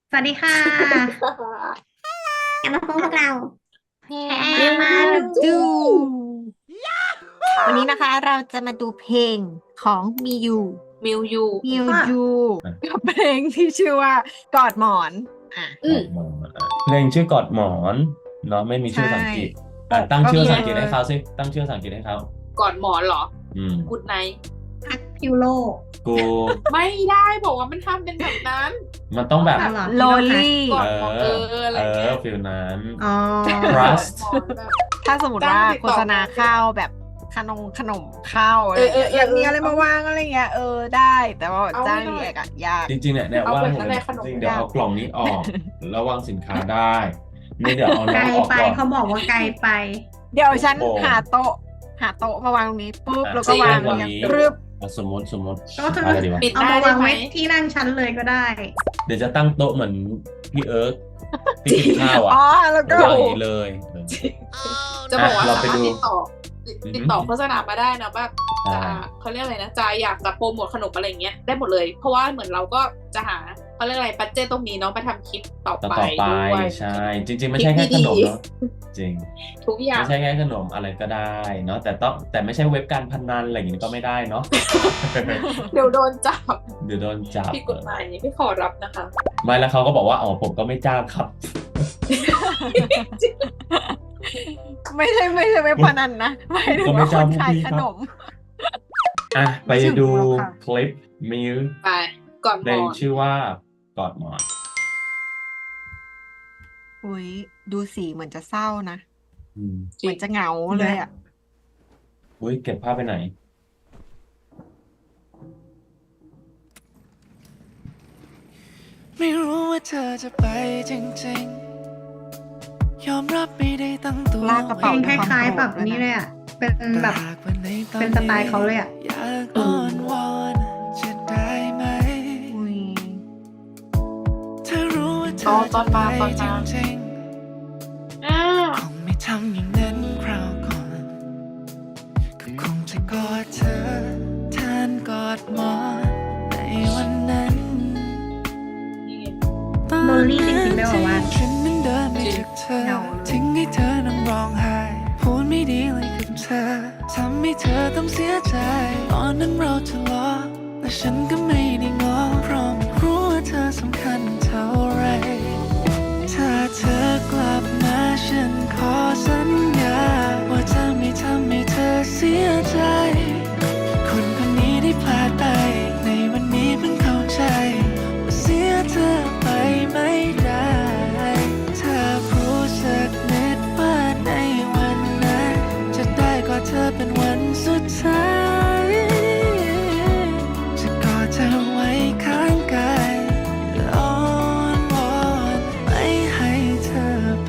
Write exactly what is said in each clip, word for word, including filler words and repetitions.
สวัสดีค่ะกลับมาพบกับเราแพเย้รมาดูดูวันนี้นะคะเราจะมาดูเพลงของมิยูมิวยูมิวก็ยูกับเพลงที่ชื่อว่ากอดหมอนอ่ะอืมกอดหมอนอ่ะเพลงชื่อกอดหมอนเนาะไม่มีชื่อใช่ภาษาอังกฤษอ่ะตั้งก็มีชื่อภาษาอังกฤษให้เขาสิตั้งชื่อภาษาอังกฤษให้เขาก่อนหมอนเหรออืมกูดไนท์พักพิวโลกูไม่ได้บอกว่ามันทำเป็นแบบนั้นมันต้องแบบอ๋อเหรอโลลี่ก่อนเอหมอนอเอออะไรเออเงี้ยฟิลนั้นอ๋อ Trust ก่อนหมอนแบบถ้าสมมติว่าจ้างติดต่อโฆษณาข้าวแบบขนมขนมข้าวอะไรเออเออเอออยากมีอะไรมาวางอะไรเงี้ยเออได้แต่ว่าเอาจ้างไม่ได้รีแอคอะยากจริงๆเนี่ยเนี่ยเอาว่าแบบผมนั้นแหละขนมจริงๆเดี๋ยวยากเอากล่องนี้ออกแล้ววางสินค้าได้นี่เดี๋ยวเอาไกน้ลองออกไปก่อนเขาบอกว่าไกลไปเดี๋ยวฉันโอ้โหหาโต๊ะหาโต๊ะมาวางตรงนี้ปุ๊บอ่ะแล้วก็วางจริงอย่างวันนี้รึบอ่ะสมมติสมมติก็คืออะไรดีวะปิดเอาได้มาวางไหมไว้ที่นั่งชั้นเลยก็ได้เดี๋ยวจะตั้งโต๊ะเหมือนพี่เอิร์กที่กินข้าวอ่ะอ๋อแล้วก็วางอย่างนี้เลยเออจะบอกว่าอ่ะเราสาไปมารถดูติดต่อติดอือฮึติดต่อโฆษณามาได้นะแบบได้จะเขาเรียกอะไรนะจะอยากจะโปรโมทขนมอะไรเงี้ยได้หมดเลย เพราะว่าเหมือนเราก็จะหาเขาเรียกอะไรบัดเจตตรงนี้เนาะไปทำคลิปต่อต่อไปต่อไปด้วยใช่ จริง ๆ ไม่ใช่แค่ขนมเนาะจริงทุกอย่างไม่ใช่แค่ขนมอะไรก็ได้เนาะแต่ต้องแต่ไม่ใช่เว็บการพนันอะไรอย่างนี้ก็ไม่ได้เนาะเดี๋ยวโดนจับเดี๋ยวโดนจับผิดกฎหมายไม่ขอรับนะคะไม่แล้วเขาก็บอกว่าอ๋อผมก็ไม่จ้างครับไม่ใช่ไม่ใช่ไม่พนันนะหมายถึงก็ไม่ว่าคจ้างนพวกขายพี่ขครับนมอ่ะไปไม่ถึงดูหรอกค่ะคลิปมิวไปก่อนเพหมลงอนชื่อว่ากอดหมอนอุ้ยดูสีเหมือนจะเศร้านะอืมเหมือนจะเหงาเลยอ่ะอุ้ยเก็บภาพไปไหนไม่รู้ว่าเธอจะไปจริงๆ ยอมรับไม่ได้ตั้งตัวลากกระเพลเป๋างด้วยคความล้ายโกรธๆแบบนี้เลยอ่ะ เป็นแบบหากวันไหตอเป็นสไตล์เขาเลยอะอยากอ้อนวอนจะได้ไหมอุ้ยเธอรู้ว่าเธตออนตอจะนไปมาตอนจมาริงอ้าวๆ คงไม่ทำอย่างนั้นคราวก่อน ก็คงจะกอดเธอแทนกอดหมอนในวันนั้นนี่ไงโลลี่จริงๆด้วยเหรอวะฉันนั้นเดินไปจากเธอเหงาทิ้งให้เธอนั่งร้องไห้พูดไม่ดีเลยกับเธอทำให้เธอต้องเสียใจ ตอนนั้นเราทะเลาะและฉันก็ไม่ได้ง้อเพราะไม่รู้ว่าเธอสำคัญเท่าไร ถ้าเธอกลับมาฉันขอสัญญา ว่าจะไม่ทำให้เธอเสียใจ คนคนนี้ได้พลาดไป ในวันนี้เพิ่งเข้าใจว่าเสียเธอไปไม่ได้ ถ้ารู้สักนิดว่าในวันนั้นจะได้กอดเธอเป็นวันสุดท้าย จะกอดเธอไว้ข้างกายและอ้อนวอนไม่ให้เธอไป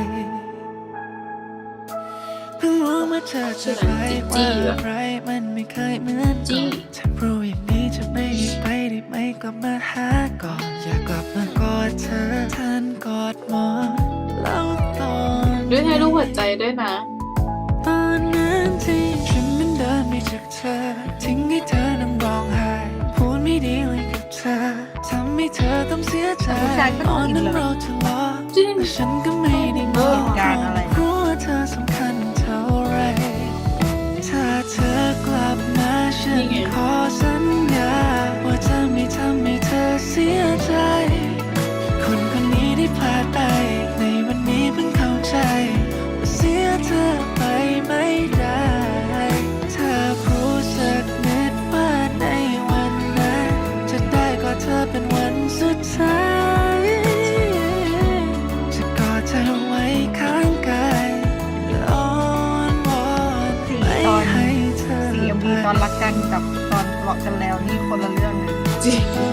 เพิ่งรู้เมื่อเธอจะไปว่าอะไรมันไม่เคยเหมือนก่อนถ้ารู้อย่างนี้จะไม่ไปได้ไหมกลับมาหาก่อน อยากกลับมากอดเธอแทนกอดหมอนแล้วตอนด้วยให้รูปหัวใจด้วยนะตอนนั้นที่ฉันนั้นเดินไปจากเธอ ทิ้งให้เธอนั่งร้องไห้พูดไม่ดีเลยกับเธอทำให้เธอต้องเสียใจผู้ชายก็ตดูอนอินนั้นเลยเราทะเลาะจริงแต่ฉันก็ไม่ได้ง้อเหตุการณ์อะไรเพรารู้ว่าเธอสำคัญเท่าไร ถ้าเธอกลับมาฉันขอสัญญา ว่าจะไม่ทำให้เธอเสียใจ คนคนนี้ได้พลาดไป ในวันนี้เพิ่งเข้าใจว่าเสียเธอไปไม่ได้ ถ้ารู้สักนิดว่าในวันนั้นจะได้กอดเธอเป็นวันสุดท้าย จะกอดเธอไว้ข้างกายและอ้อนวอนสีไม่ตอนให้เธอสีเอ็มวีตอนรักกันกับตอนทะเลาะกันแล้วนี่คนละเรื่องเลยจริงโอ้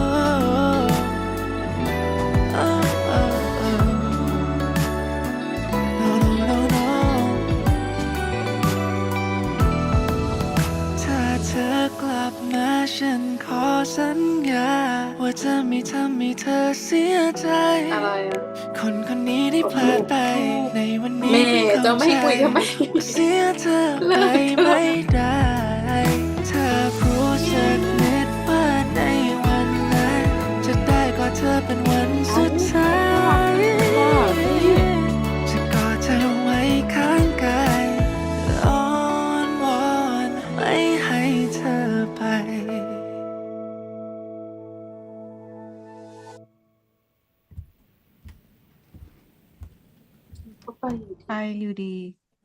โอ้โอ้โอ้ No no no no ถ้าเธอกลับมาฉันขอสัญญา ว่าจะไม่ทำให้เธอเสียใจอะไรอ่ะคนคนนี้ได้พลาดไป ในวันนี้แม่เพิ่งจะเข้าไม่ใจคุยทำไมว่าเสียเธอไปไม่ได้ ถ้ารู้สักนิดว่าในวันนั้นจะได้กอดเธอเป็นวันสุดไปอยู่ไปอยู่ดี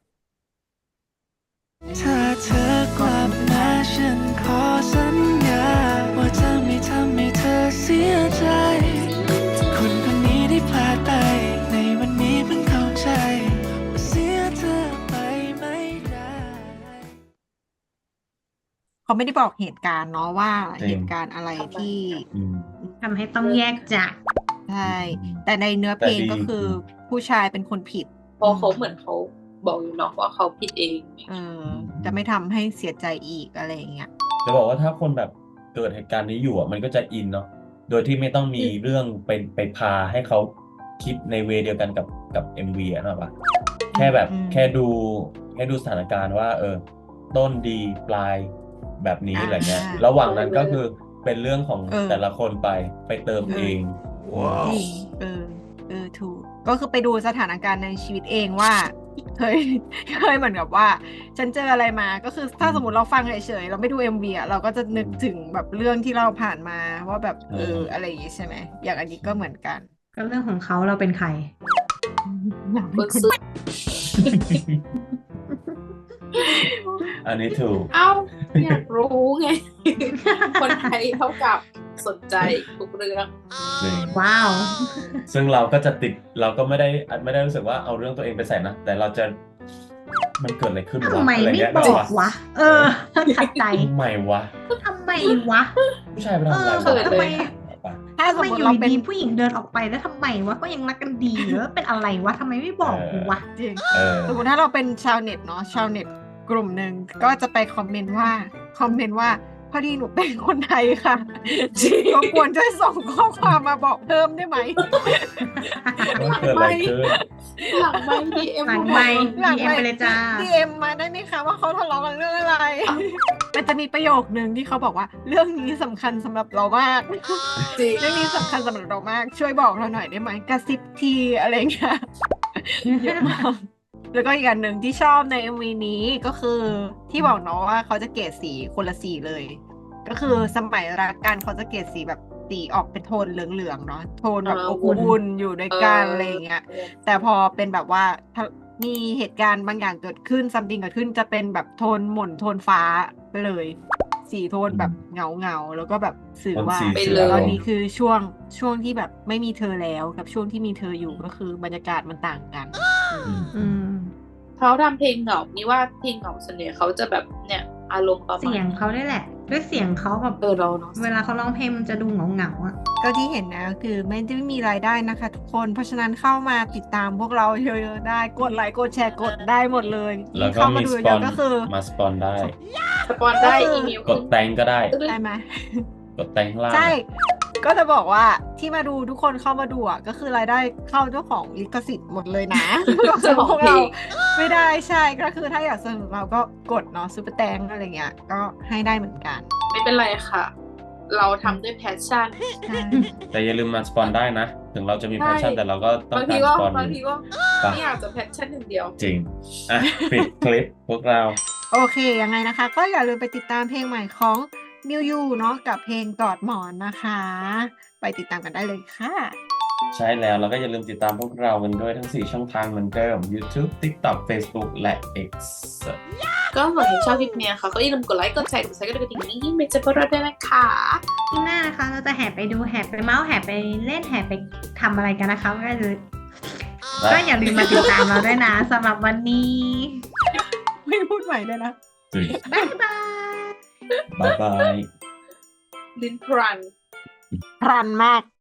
ถ้าเธอกลับมาฉันขอสัญญาว่าจะไม่ทำให้เธอเสียใจ คนคนนี้ได้พลาดไปในวันนี้เพิ่งเข้าใจว่าเสียเธอไปไม่ได้เขาไม่ได้บอกเหตุการณ์เนาะว่าจริงเหตุการณ์อะไรที่อืมทำให้ต้องแยกจากใช่ แต่ในเนื้อเพลงแต่ดีก็คือผู้ชายเป็นคนผิดเพราะเขาเหมือนเขาบอกอยู่เนาะว่าเขาผิดเองเออ จะไม่ทำให้เสียใจอีกอะไรอย่างเงี้ยจะบอกว่าถ้าคนแบบเกิดเหตุการณ์นี้อยู่อ่ะมันก็จะอินเนาะโดยที่ไม่ต้องมีเรื่องเป็นไปพาให้เขาคิดในเวย์เดียวกันกับกับ เอ็ม วี อ่ะนะปะแค่แบบอืมแค่ดูแค่ดูสถานการณ์ว่า เออ ต้นดีปลายแบบนี้อ่าอะไรเงี้ย ระหว่างนั้นก็คือเป็นเรื่องของเออแต่ละคนไปไปเติมเออเองจริงเออ เออ ถูก ก็คือไปดูสถานการณ์ในชีวิตเองว่า เคย เคยเหมือนกับว่า ฉันเจออะไรมา ก็คือถ้าอืมสมมติเราฟังเฉยๆ เราไม่ดู เอ็ม วี อ่ะ เราก็จะนึกอืมถึงแบบเรื่องที่เราผ่านมาว่าแบบ เอเออออะไรอย่างงี้ใช่ไหม อย่างอันนี้ก็เหมือนกันก็เรื่องของเขาเราเป็นใครคนซื้ออันนี้ถูกเอ้าอยากรู้ไง คนไทยเท่ากับสนใจทุกเรื่องจริงว้าวซึ่งเราก็จะติดเราก็ไม่ได้ไม่ได้รู้สึกว่าเอาเรื่องตัวเองไปใส่นะ แต่เราจะมันเกิดอะไรขึ้นทำวะไมอะไรไม่เงี้ยบนึอกปะวะ เออขัดใจทำไมวะทำไมวะผู้ชายไปทำอะไรเออวะเขินทำไมปะถ้าสทำมไมมอติยู่เราเป็นดีๆผู้หญิงเดินออกไปแล้วทำไมวะก็ยังรักกันดีหรือว่าเป็นอะไรวะทำไมไม่บอกกูวะจริงเออสมมติถ้าเราเป็นชาวเน็ตเนาะชาวเน็ตกลุ่มหนึ่งก็จะไปคอมเมนต์ว่าคอมเมนต์ว่าพอดีหนูเป็นคนไทยค่ะจริงก็ควรจะส่งข้อความมาบอกเพิ่มได้ไหมมันเกิดอะไรขึ้นหลังไม่ดีเอ็มหลังไมค์หลังดี เอ็ม ไปเลยจ้าดีเอ็มมาได้ไหมคะว่าเขาทะเลาะกันเรื่องอะไร มันจะมีประโยคนึงที่เขาบอกว่าเรื่องนี้สำคัญสำหรับเรามากจริงเรื่องนี้สำคัญสำหรับเรามาก ช่วยบอกเราหน่อยได้ไหมกระซิบทีอะไรเงี้ย เยอะมากแล้วก็อีกอันหนึ่งที่ชอบใน เอ็ม วี นี้ก็คือที่บอกเนาะว่าเขาจะเกรดสีคนละสีเลย ก็คือสมัยรักกันเขาจะเกรดสีแบบสีออกเป็นโทนเหลืองๆเนาะโทนแบบเอออบอุ่นอุ่นอยู่ด้วยกันเออออะไรอย่างเงี้ย แต่พอเป็นแบบว่าถ้ามีเหตุการณ์บางอย่างเกิดขึ้นซัมติงเกิดขึ้นจะเป็นแบบโทนหม่นโทนฟ้าไปเลย สีโทนแบบเงาเงาๆแล้วก็แบบสื่อโทนว่าสีไปเสืเลอยตอนนี้คือช่วงช่วงที่แบบไม่มีเธอแล้วกับช่วงที่มีเธออยู่ก็คือบรรยากาศมันต่างกันอืมอืมเขาทำเพลงเหงานี่ว่าเพลงเหงาส่วนใหญ่เขาจะแบบเนี่ยอารมณ์ประมาณเสียงเขาได้แหละ ด้วยเสียงเขาแบบเออเราเนาะเวลาเขาร้องเพลงมันจะดูเหงาเหงาๆอ่ะก็ที่เห็นนะคือไม่ได้มีรายได้นะคะทุกคน เพราะฉะนั้นเข้ามาติดตามพวกเราเยอะๆได้กดไลค์กดแชร์กดได้หมดเลยแล้วก็เข้ามามีดูสปเยอนอะๆก็คือมาสปอนได้สปอนได้ก็คืออีอีเมลกดแตงก็ได้ได้ไหมกดแตงข้างล่างใช่ ก็จะบอกว่าที่มาดูทุกคนเข้ามาดูอ่ะก็คือรายได้เข้าเจ้าของลิขสิทธิ์หมดเลยนะเจ้าของพวกเพลเรางไม่ได้ใช่ก็คือถ้าอยากสนับสนุนเราก็กดเนาะซูเปอร์แตงอะไรเงี้ยก็ให้ได้เหมือนกันไม่เป็นไรค่ะ เราทำด้วยแพชชั่นใช่แต่อย่าลืมมาสปอนได้นะ ถึงเราจะมีใช่แพชชั่นแต่เราก็ต้องบางกาทีรก็สปอนบางทีก็ปะไม่อยากจะแพชชั่นอย่างเดียวจริง อ่ะ ปิดคลิปพวกเราโอเคยังไงนะคะ ก็อย่าลืมไปติดตามเพลงใหม่ของมิวยูเนาะกับเพลงกอดหมอนนะคะ ไปติดตามกันได้เลยค่ะใช่แล้วแล้วก็อย่าลืมติดตามพวกเรากันด้วยทั้ง สี่ ช่องทางเหมือนเดิม YouTube TikTok Facebook และ X ก็หากใครชอบคลิปเนี้ยค่ะ ก็อย่าลืมกดไลค์กดแชร์กดซับสไครต์กดกระดิ่งนี้ไม่จะพลาดด้วยนะคะที่หน้านะคะ เราจะแห่ไปดูแห่ไปเมาส์แห่ไปเล่นแห่ไปทำอะไรกันนะคะก็เลยก็อย่าลืมมาติดตามเราด้วยนะสำหรับวันนี้ไม่พูดใหม่เลยนะจริงบ๊ายบายบ๊ายบายลิ้นพรันพรันมาก